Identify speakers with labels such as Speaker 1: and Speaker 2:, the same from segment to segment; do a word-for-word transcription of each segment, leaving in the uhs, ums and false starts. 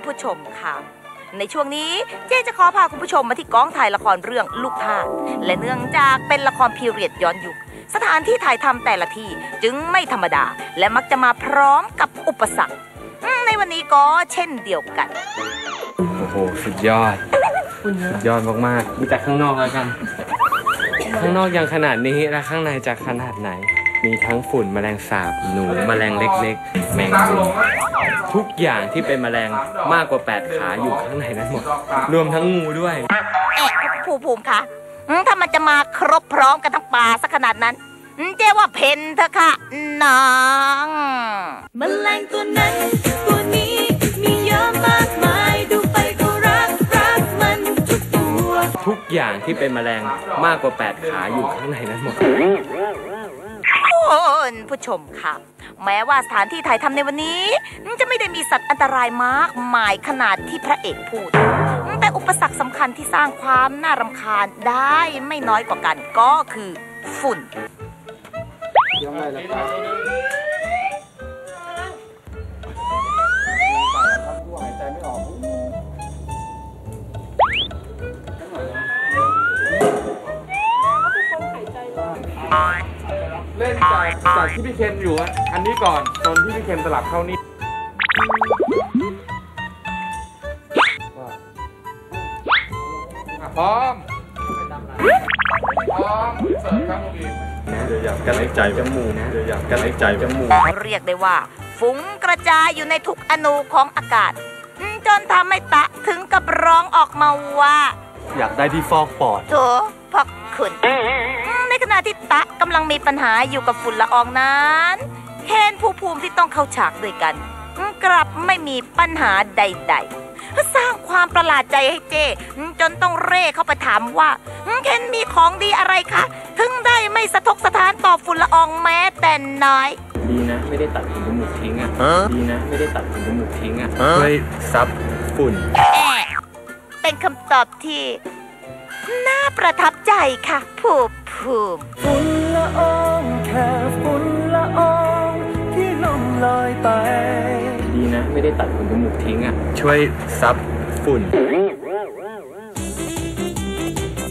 Speaker 1: ผู้ชมค่ะในช่วงนี้เจ๊จะขอพาคุณผู้ชมมาที่กองถ่ายละครเรื่องลูกทาสและเนื่องจากเป็นละครพีเรียดย้อนยุคสถานที่ถ่ายทำแต่ละที่จึงไม่ธรรมดาและมักจะมาพร้อมกับอุปสรรคในวันนี้ก็เช่นเดียวกัน
Speaker 2: โอ้โหสุดยอดสุดยอดมากๆดูจากข้างนอกแล้วกันข้างนอกยังขนาดนี้แล้วข้างในจะขนาดไหนมีทั้งฝุ่นแมลงสาบหนูแมลงเล็กๆแมงมุมทุกอย่างที่เป็นแมลงมากกว่าแปดขาอยู่ข้างในนั้นหมดรวมทั้งงูด้วย
Speaker 1: เอ๊ะภูมิภูมิคะถ้ามันจะมาครบพร้อมกันทั้งป่าสักขนาดนั้นเจ๊ว่าเพนเถอะค่ะน้อง
Speaker 3: แมลงตัวนั้นตัวนี้มีเยอะมากมายดูไปก็รักรักมันทุกตัว
Speaker 2: ทุกอย่างที่เป็นแมลงมากกว่าแปดขาอยู่ข้างในนั้นหมด
Speaker 1: คุณผู้ชมค่ะแม้ว่าสถานที่ถ่ายทำในวันนี้จะไม่ได้มีสัตว์อันตรายมากมายขนาดที่พระเอกพูดแต่อุปสรรคสำคัญที่สร้างความน่ารำคาญได้ไม่น้อยกว่ากันก็คือฝุ่นยังไงล่ะครับหายใจไม่ออก
Speaker 4: เล่นจากจากที่พี่เคนอยู่อันนี้ก่อนตอนที่พี่เคนสลับเข้านี่พร้อมพร้อมเสิร์ฟครับพี่เดี๋ยวอยากกันหายใจจมูกนะเดี๋ยวอยากกันหายใจจมูก
Speaker 1: เรียกได้ว่าฟุ้งกระจายอยู่ในทุกอนูของอากาศจนทำให้ตะถึงกับร้องออกมาว่า
Speaker 2: อยากได้ที่ฟอกปอด
Speaker 1: โถพักคุณในขณะที่ตะกำลังมีปัญหาอยู่กับฝุ่นละอองนั้นเคนภูมิภูมิที่ต้องเข้าฉากด้วยกันกลับไม่มีปัญหาใดๆสร้างความประหลาดใจให้เจจนต้องเร่เข้าไปถามว่าเคนมีของดีอะไรคะถึงได้ไม่สะทกสะท้านต่อฝุ่นละอองแม้แต่น้อย
Speaker 2: ดีนะไม่ได้ตัดขนจมูกทิ้งอ่ะดีนะไม่ได้ตัดขนจมูกทิ้งอ่ะช่วยซับฝุ่น
Speaker 1: เป็นคำตอบที่น่าประทับใจค่ะภูมิภูมิ
Speaker 3: ฝุ่นละอองแค่ฝุ่นละอองที่ล่องลอยไป
Speaker 2: ดีนะไม่ได้ตัดขนจมูกทิ้งอ่ะช่วยซับฝุ่น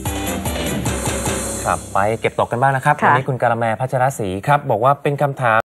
Speaker 2: ครับไปเก็บตกกันบ้างนะครับวันนี้คุณกาละแมพัชรศรีครับบอกว่าเป็นคำถาม